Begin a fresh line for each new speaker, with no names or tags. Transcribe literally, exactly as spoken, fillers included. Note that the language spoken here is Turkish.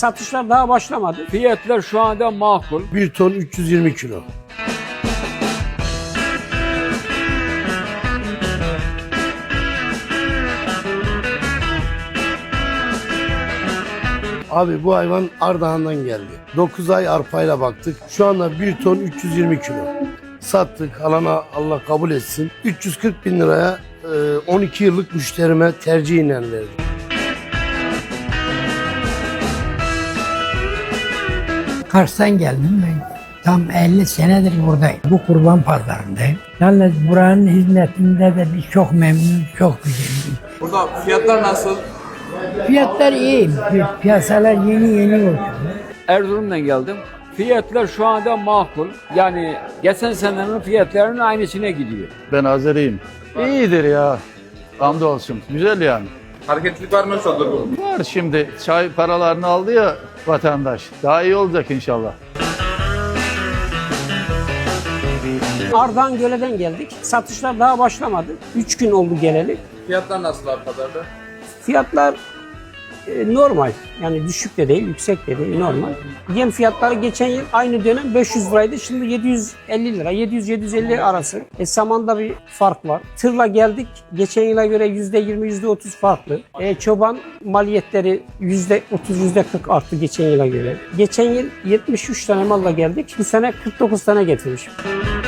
Satışlar daha başlamadı.
Fiyatlar şu anda makul.
bir ton üç yüz yirmi kilo. Abi bu hayvan Ardahan'dan geldi. dokuz ay arpayla baktık. Şu anda bir ton üç yüz yirmi kilo. Sattık. Alana Allah kabul etsin. üç yüz kırk bin liraya on iki yıllık müşterime tercihiyle verdim.
Kars'tan geldim ben. Tam elli senedir buradayım. Bu kurban pazarındayım. Yalnız buranın hizmetinde de biz çok memnunuz, çok güzel.
Burada fiyatlar nasıl?
Fiyatlar iyi. Piyasalar yeni yeni oldu.
Erzurum'dan geldim. Fiyatlar şu anda makul. Yani geçen senenin fiyatlarının aynısına gidiyor.
Ben Azeriyim. İyidir ya. Hamdolsun. Güzel yani.
Hareketlilik var mı yoksa durgun?
Var şimdi. Çay paralarını aldı ya vatandaş. Daha iyi olacak inşallah.
Ardahan Göle'den geldik. Satışlar daha başlamadı. üç gün oldu geleli.
Fiyatlar nasıl abi pazarda?
Fiyatlar e, normal. Yani düşük de değil, yüksek de değil, normal. Yem fiyatları geçen yıl aynı dönem beş yüz liraydı. Şimdi yedi yüz elli lira, yedi yüz yedi yüz elli arası. E, samanda bir fark var. Tırla geldik. Geçen yıla göre yüzde yirmi, yüzde otuz farklı. E, çoban maliyetleri yüzde otuz, yüzde kırk arttı geçen yıla göre. Geçen yıl yetmiş üç tane malla geldik. Bu sene kırk dokuz tane getirmişim.